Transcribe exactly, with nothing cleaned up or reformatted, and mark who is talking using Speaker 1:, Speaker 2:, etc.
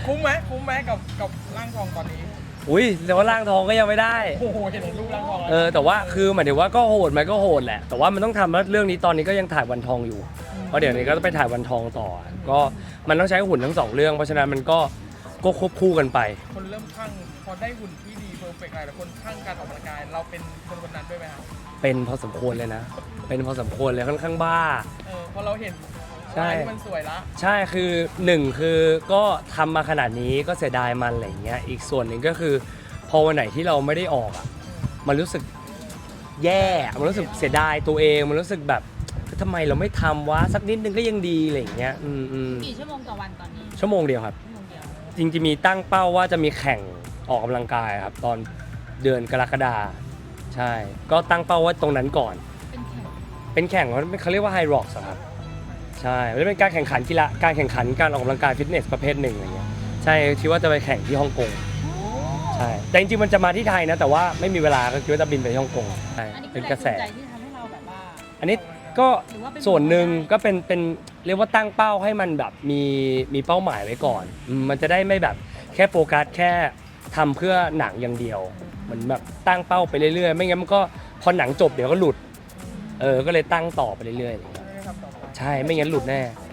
Speaker 1: คุ้มไหมคุ้มไหมกับกับร่างทองตอนนี้
Speaker 2: อุ้ยแต่ว่าร่างทองก็ยังไม่ได้
Speaker 1: โอ้โหเห็นรูปร่างทอง
Speaker 2: เออแต่ว่าคือหมายถึงว่าก็โหดไหมก็โหดแหละแต่ว่ามันต้องทำแล้วเรื่องนี้ตอนนี้ก็ยังถ่ายวันทองอยู่เพราะเดี๋ยวนี้ก็ต้องไปถ่ายวันทองต่อก็มันต้องใช้หุ่นทั้งสองเรื่องเพราะฉะนั้นมันก็ก็ควบคู่กันไป
Speaker 1: คนเริ่มคลั่งพอได้หุ่นที่ดีเพอร์เฟกต์อะไรแต่คนคลั่งการออกกำลังกายเราเป็นคนคนนั้นด้วยไหมครับ
Speaker 2: เป็นพอสมควรเลยนะเป็นพอสมควรเลยค่อนข้างบ้า
Speaker 1: เออพอเราเห็น
Speaker 2: ใช่
Speaker 1: มันสวยละ
Speaker 2: ใช่คือหนึ่งคือก็ทำมาขนาดนี้ก็เสียดายมันอะไรเงี้ยอีกส่วนหนึ่งก็คือพอวันไหนที่เราไม่ได้ออกอ่ะมันรู้สึกแย่มันรู้สึกเสียดายตัวเองมันรู้สึกแบบทำไมเราไม่ทำวะสักนิดนึงก็ยังดีอะไรเงี้ยอืมอืม
Speaker 3: กี่ชั่วโมงต่อวันตอนนี้
Speaker 2: ชั่วโมงเดียวครับ
Speaker 3: ชั่วโมงเดียว
Speaker 2: จริงๆมีตั้งเป้าว่าจะมีแข่งออกกำลังกายครับตอนเดือนกรกฎาใช่ก็ตั้งเป้าว่าตรงนั้นก่อน
Speaker 3: เป็นแข่ง
Speaker 2: เป็นแข่งเขาเรียกว่าไฮร็อกส์ครับใช่ไม่ได้เป็นการแข่งขันกีฬาการแข่งขันการออกกำลังกายฟิตเนสประเภทหนึ่งอะไรเงี้ยใช่คิดว่าจะไปแข่งที่ฮ่องกงใช่แต่จริงๆมันจะมาที่ไทยนะแต่ว่าไม่มีเวลาก็คิดว่าจะบินไปฮ่องกงใช่เป็นกระแส
Speaker 3: ที่ทำให้เราแบบว่า
Speaker 2: อันนี้ก็ส่วนหนึ่งก็เป็นเป็นเรียกว่าตั้งเป้าให้มันแบบมีมีเป้าหมายไว้ก่อนมันจะได้ไม่แบบแค่โฟกัสแค่ทำเพื่อหนังอย่างเดียวเหมือนแบบตั้งเป้าไปเรื่อยๆไม่งั้นมันก็พอหนังจบเดี๋ยวก็หลุดเออก็เลยตั้งต่อไปเรื่อยๆใช่ไม่งั้นหลุดแน่